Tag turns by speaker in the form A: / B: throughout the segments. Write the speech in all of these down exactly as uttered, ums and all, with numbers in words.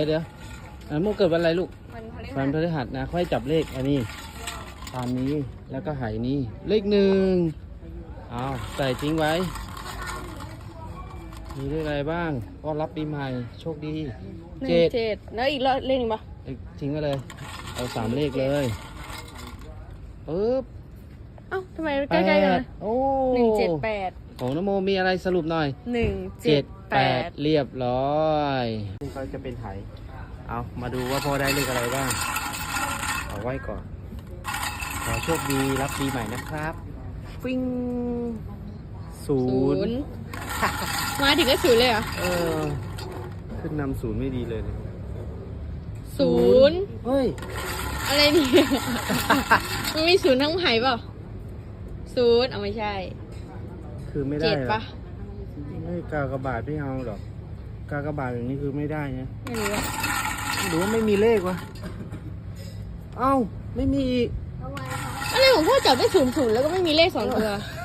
A: เดี๋ยวอ่ะโมเกิดวันอะไรลูก
B: วันพฤหัส
A: วันพฤหัสนะค่อยจับเลขอันนี้ตามนี้แล้วก็หายนี้เลขหนึ่งเอาใส่ทิ้งไว้มีเลขอะไรบ้างก็รับปีใหม่โชคดี
B: หนึ่ง
A: เจ็ด
B: เจ็ดแล้วอีกเลขหนึ่งปะ
A: ทิ้งไว้เลยเอาสามเลขเลยปึ๊บ
B: เอ้าทำไม
A: แป
B: ใกล้ๆกัน
A: ด
B: นะ
A: โอ้
B: หนึ่งเจ็ดแปด
A: ของนโมมีอะไรสรุปหน่อย
B: หนึ่งเจ็
A: เจ็
B: ด
A: ด
B: แป
A: แป
B: ด
A: ดเรียบร้อยเขาจะเป็นไถเอามาดูว่าพ่อได้เลขอะไรบ้างเอาไว้ก่อนขอโชคดีรับปีใหม่นะครับฟิ้งศู
B: ศู
A: น
B: น
A: ย์
B: ย์มาถึงก็ศูนย์เลยเหรอ
A: เออขึ้นนำศูนย์ไม่ดีเลยเนี่ย
B: ศูนย์
A: เฮ้ย
B: อะไรเนี่ย มันมีศูนย์ทั้งไหเปล่าศูนย์เอาไม่ใช่
A: คือไม่ได้
B: เจ็ด
A: หรอ
B: ปะ
A: ไม่กากบาทไม่เอาหรอกกากบาทอย่างนี้คือไม่ได้นะ
B: ไม่รู้อะ
A: หรือว่าไม่มีเลขวะเอ้าไม่มีอีก
B: อะไรของพ่อจับได้ศูนย์ศูนย์แล้วก็ไม่มีเลขสองตัว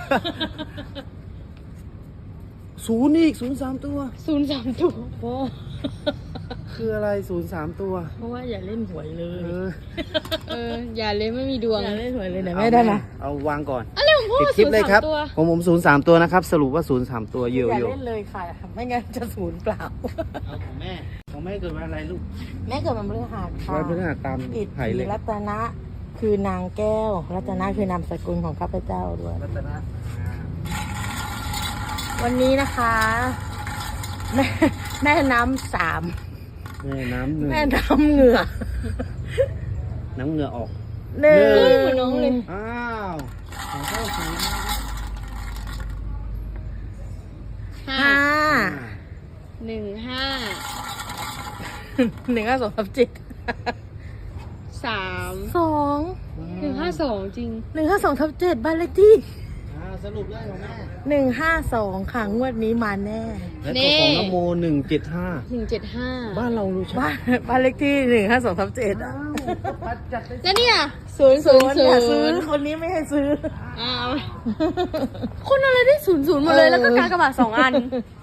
A: ศูนย์อีกศูนย์สามตัว
B: ศูนย์สามตัว
C: พ่อ
A: คืออะไรศูนย์สามตัว
C: เพราะว่าอย่าเล่นหวยเล
A: เอย อ
B: เอออย่าเลยไม่มีดวง
C: อย่าเล่นหวยเลยนะแม่ได้นะ
A: เอาวางก่อน
B: อะไรของพ่อ
A: ปิดคลิ
B: ศู
A: ป
B: นย์
A: เลยค
B: สา
A: รับ
B: มตัว
A: ผมผมศูนย์สามตัวนะครับ สรุปว่าศูนย์สามตัวเยอะ
C: อย่า
A: เยอะ
C: เล่นเลยค่ะ ไม่งั้นจะศูนย์เปล่า
A: เอาของแม่ของแม่เกิดวันอะไรลูก
C: แม่เกิดวันพฤหัสค่ะ
A: วันพฤหัสตาม
C: อิท
A: ไผ่
C: ธิ
A: เลย
C: รัตนะคือนางแก้ว รัตนะคือนามสกุลของข้าพเจ้าด้วย
A: รัตนะ
C: วันนี้นะคะ แม่แม่น้ำสาม
A: แม่น้ำหนึ่ง
C: แม่น้ำเหงื่อ
A: น้ำเหงื่อออก
C: หนึ่
A: หนึ่
C: ง
B: เหมือนน้องเลย
A: อ้าวของเข้าศูนย์
B: ห้า
C: ห้า
B: หนึ่งห้า
C: หนึ่งห้าสองสามเจ็ด
B: สาม
C: สอง
B: หนึ่งห้าสองจริง
C: หนึ่งห้าสองทับเจ็ดบ้านเลขที่
A: อ่าสรุปเลยของแม่
C: หนึ่งห้าสองค่ะงวดนี้มาแน่
A: และตัวของนโมหนึ่งเจ็ดห้า
B: หนึ่งเจ็ดห้า
A: บ้านเรารู้ใช่ไหม
C: บ้านบ้านเลขที่หนึ่งห้าสองทับเจ็ด
A: อ้าวปัดจัดได้
B: แล้วเนี่ยศูนย์ศูนย์ศู
C: อย่าซื้อน
B: ย์
C: คนนี้ไม่ให้ซื้อ
B: อ้าวคนอะไรได้ศูนย์ศูนย์หมดเลยแล้วก็กากบาทสองอัน